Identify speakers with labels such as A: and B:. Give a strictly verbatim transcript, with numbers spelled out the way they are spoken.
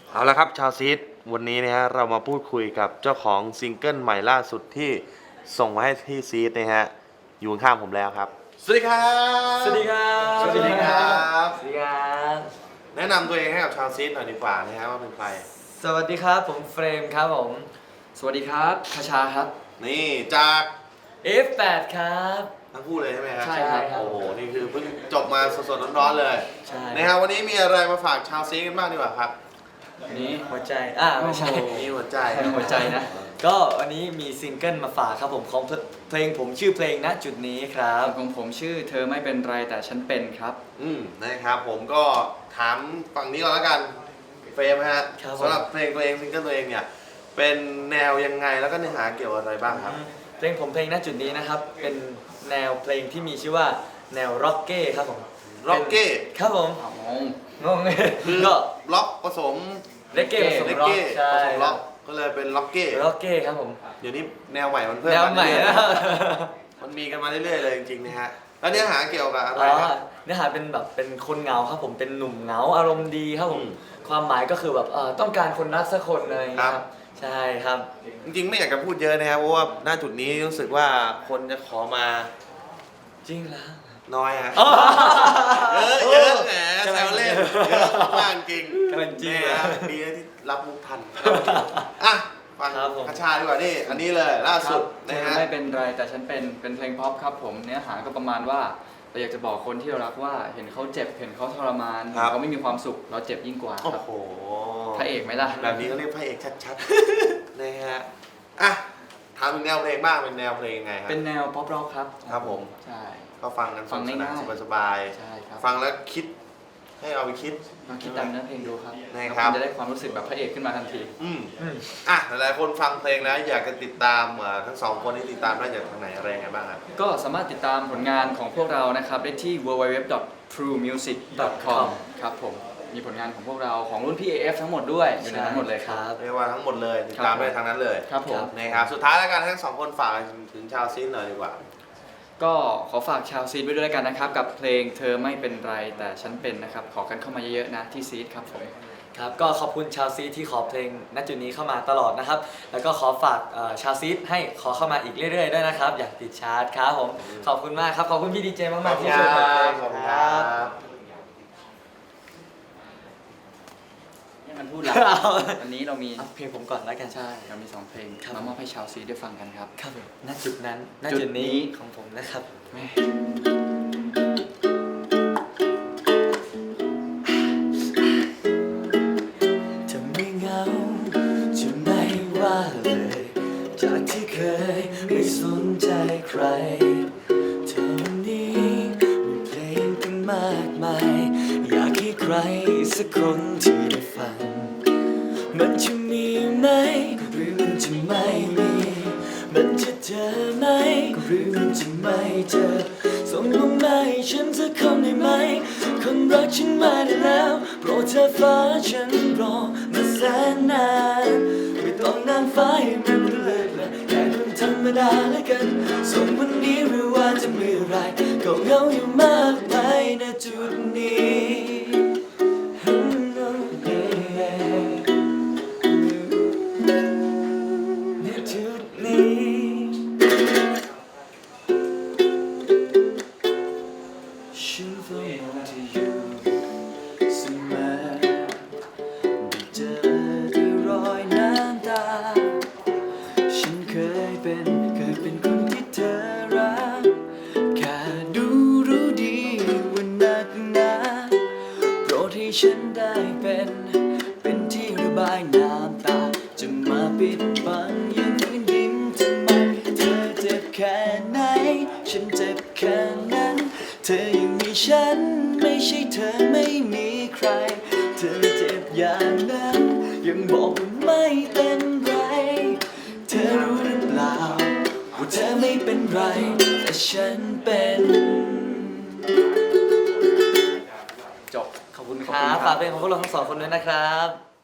A: เอาละครับชาวซีดวันนี้นะฮะเรามาพูดคุยกับเจ้าของซิงเกิลใหม่ล่าสุดที่ส่งมาให้ที่ซีดนะฮะอยู่ข้างผมแล้วครับสวัสดีครับ
B: สวัสดีครับ
A: สวัสดีครับ
B: สวัสดีครับ
A: แนะนำตัวเองให้กับชาวซีดหน่อยดีกว่านะฮะว่าเป็นใคร
B: สวัสดีครับผมเฟรมครับผมสวัสดีครับคชาครับ
A: นี่จาก
B: เอฟ แปด ครับ
A: ทั้งคู่เลยใช่ไหมครับ
B: ใช่ครับ
A: โอ้โหนี่คือเพิ่งจบมาสดๆร้อนๆเลย
B: ใช่
A: นะครับวันนี้มีอะไรมาฝากชาวซีดกันบ้างดีกว่าครับ
B: นี่หัวใจอ่าไม่ใช่
A: มีหัวใจ
B: หัวใจนะ ก็วันนี้มีซิงเกิลมาฝากครับผมของเพลงผมชื่อเพลงณจุดนี้ครับ
C: ของผมชื่อเธอไม่เป็นไรแต่ฉันเป็นครับ
A: อืมนะครับผมก็ถามฝั่งนี้ก่อนแล้วกันเฟรมฮะ
B: ครับผม
A: สำหรับเพลงตัวเองซิงเกิลตัวเองเนี่ยเป็นแนวยังไงแล้วก็เนื้อหาเกี่ยวกับอะไรบ้างครับ
B: เพลงผมเพลงณจุดนี้นะครับเป็นแนวเพลงที่มีชื่อว่าแนวร็อกเก้ครับผม
A: ร็อกเก้
B: ครับผม
C: อ๋อง
B: งง
A: คือ
B: ก็
A: ล็อกผสม
B: เลกเก้ผสม
A: เลก
B: ร็อก
A: เก้
B: ใช่
A: ผสมล็อกก็เลยเป็นล็อกเก้
B: ร็อกเก้ครับผม
A: เดี๋ยวนี้แนวใหม่มันเพิ่ม
B: แนวใหม่
A: า
B: นะ
A: เรื่อยๆมันมีกันมาเรื่อยๆเลยจริงๆนะฮะแล้วเนื้อหาเกี่ยวกับอะไร
B: อ๋อ
A: ครับ
B: เนื้อหาเป็นแบบเป็นคนเหงาครับผมเป็นหนุ่มเหงาอารมณ์ดีครับผม
A: อืม
B: ความหมายก็คือแบบเอ่อต้องการคนรักสักคนอะไรอย่างเงี้ย
A: ค
B: ค
A: รั
B: รับ บใช่ครับ
A: จริงๆไม่อยากจะพูดเยอะนะครับเพราะว่าหน้าจุดนี้รู้สึกว่าคนจะขอมา
B: จริงแล้ว
A: น้อยฮะ
B: อ๋อ
A: เยอะเยอะแหมแซวเล่นเยอะมากจริง
B: กำลังจริง
A: นะ
B: นะ
A: ดีนะที่รับมุกทันอ่ะฟัง
B: ครับผม
A: คชาดีกว่านี่อันนี้เลยล่า
C: ค
A: สุ
C: รับ
A: ด
C: เธ
A: นะ
C: อ
A: ฮะ
C: ไม่เป็นไรแต่ฉันเป็นเป็นเพลงพ็อปครับผมเนื้อหาก็ประมาณว่าเราอยากจะบอกคนที่เรารักว่าเห็นเขาเจ็บเห็นเขาทรมานเห็นเขาไม่มีความสุขเราเจ็บยิ่งกว่า
A: โอ้
C: ครับ
A: โห
C: พระเอกไหมล่ะ
A: แบบนี้เขาเรียกพระเอกชัดๆ นะฮะอ่ะถามถึงแนวเพลงบ้างเป็นแนวเพลงยังไงครับ
C: เป็นแนวป๊อปร็อกครับ
A: ครับผม
C: ใช่
A: ก็ฟังกัน
C: ฟัง
A: สนุก
C: ง่ายๆ
A: สนานสบาย
C: ใช่ครับ
A: ๆฟังแล้วคิดให้เอาไปคิด
C: ลองคิดตามเนื้อเพลงดูครับ
A: ได้
C: แล้ว
A: ครับ
C: คุณจะได้ความรู้สึกแบบพระเอกขึ้นมาทันที
A: อืม
B: อืม
A: อ่ะหลายๆคนฟังเพลงแล้วอยากจะติดตามเอ่อทั้งสองคนที่ติดตามได้จากทางไหนอะไรยังไงบ้างครับ
C: ก็สามารถติดตามผลงานของพวกเรานะครับได้ที่ ดับเบิลยู ดับเบิลยู ดับเบิลยู ดอท ทรู มิวสิก ดอท คอม ครับผมมีผลงานของพวกเราของรุ่นพี่ เอ เอฟ ทั้งหมดด้วยอยู่ในนั้นหมดเลยครับ
A: เรียกว่าทั้งหมดเลยติดตามได้ทางนั้นเลย
C: ครับผม
A: นะครับสุดท้ายแล้วกันทั้งสองคนฝากถึงชาวซีนหน่อยดีกว่า
C: ก็ขอฝากชาวซีดไว้ด้วยแล้วกันนะครับ กับเพลงเธอไม่เป็นไรแต่ฉันเป็นนะครับ ขอกันเข้ามาเยอะๆนะที่ซีดครับผม
B: ครับก็ขอบคุณชาวซีที่ขอเพลงณจุดนี้เข้ามาตลอดนะครับ แล้วก็ขอฝากเอ่อชาวซีให้ขอเข้ามาอีกเรื่อยๆด้วยนะครับ อยากติดชาร์ตครับผมขอบคุณมากครับขอบคุณพี่ดีเจมากๆที่ช่วยเปิดเพลง
A: ขอบคุณ
B: ค
A: ค
B: รั
A: รับ บ
C: นี่มันพูดแล้ว วันนี้เรามี
B: เอาเพลงผมก่อนแล้วกัน
C: ใช่เรามีสองเพลง
B: ครับ
C: มามอบให้ชาวซีดได้ฟังกันครับ
B: ครับผมณจุดนั้นณ
C: จุ
B: จุ
C: ด
B: ด
C: นี้
B: นี้ของผมนะครับ
C: แม่
B: จะไม่เหงาจะไม่ว่าเลย จากที่เคยไม่สนใจใครเธอวันนี้มีเพลงตั้งมากมาย อยากให้ใครสักคนที่ได้ฟัง มันจะมีไหมหรือมันจะไม่มี มันจะเจอไหมหรือมันจะไม่เจอ ส่งลงมาให้ฉันสักคนได้ไหม คนรักฉันมาได้แล้วโปรดเธอฟ้าฉันรอมาแสนนานไม่ต้องนางฟ้าให้มันเลยละแค่คนธรรมดาแล้วกัน ส่งวันนี้หรือว่าจะเมื่อไรก็เหงาอยู่มากไปณจุดนี้ณจุดนี้ ฉันเฝ้ามองเธออยู่เสมอได้เจอด้วยรอยน้ำตา ฉันเคยเป็นเคยเป็นคนที่เธอรัก แค่ดูรู้ดีว่านักหนาโปรดให้ฉันได้เป็น เป็นที่ระบายน้ำตา จะมาปิดบังยังฝืนยิ้มทำไม เธอเจ็บแค่ไหน ฉันเจ็บแค่นั้น เธอยังมีฉันไม่ใช่เธอไม่มีใคร เธอเจ็บอย่างนั้นยังบอกว่าไม่เป็นไร เธอรู้หรือเปล่าว่าเธอไม่เป็นไรแต่ฉันเป็น
C: จบ
B: ขอบคุณค
C: ขอบ
B: รั
C: คุณครับ
B: บฝากเพลงของพวกเราทั้งสองคนด้วยนะครับ